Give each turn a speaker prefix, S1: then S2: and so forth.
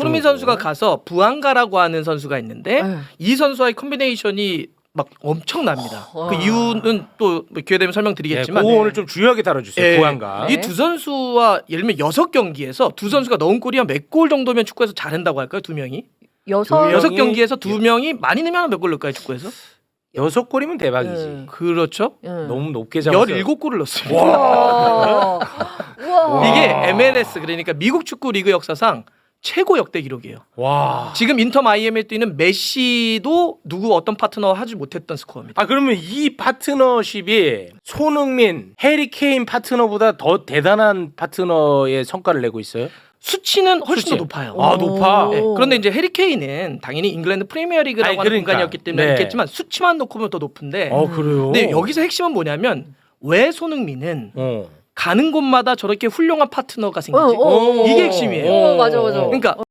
S1: 손흥민 선수가 가서 부안가라고 하는 선수가 있는데 이 선수와의 콤비네이션이 막 엄청납니다. 그 이유는 또 기회 되면 설명드리겠지만
S2: 그거 오늘 좀 중요하게 다뤄주세요. 부안가.
S1: 이 두 선수와 예를 들면 6경기에서 두 선수가 넣은 골이 한 몇 골 정도면 축구에서 잘한다고 할까요? 두 명이? 여섯 경기에서 두 명이 많이 넣으면 몇 골 넣을까요? 축구에서?
S2: 6골이면 대박이지.
S1: 그렇죠.
S2: 너무 높게 잡았어.
S1: 17골을 넣었습니다.
S3: 우와.
S1: 이게 MLS 그러니까 미국 축구 리그 역사상 최고 역대 기록이에요.
S2: 와.
S1: 지금 인터 마이애미에 뛰는 메시도 누구 어떤 파트너와 하지 못했던 스코어입니다.
S2: 아 그러면 이 파트너십이 손흥민, 해리 케인 파트너보다 더 대단한 파트너의 성과를 내고 있어요?
S1: 수치는 훨씬
S2: 수치.
S1: 더 높아요.
S2: 아 높아.
S1: 네, 그런데 이제 해리 케인은 당연히 잉글랜드 프리미어리그라고
S2: 아니,
S1: 하는
S2: 그러니까.
S1: 공간이었기 때문에
S2: 네.
S1: 있겠지만 수치만 놓고 보면 더 높은데
S2: 그래요.
S1: 근데 여기서 핵심은 뭐냐면 왜 손흥민은 가는 곳마다 저렇게 훌륭한 파트너가 생기지? 이게 핵심이에요.
S3: 맞아.
S1: 그러니까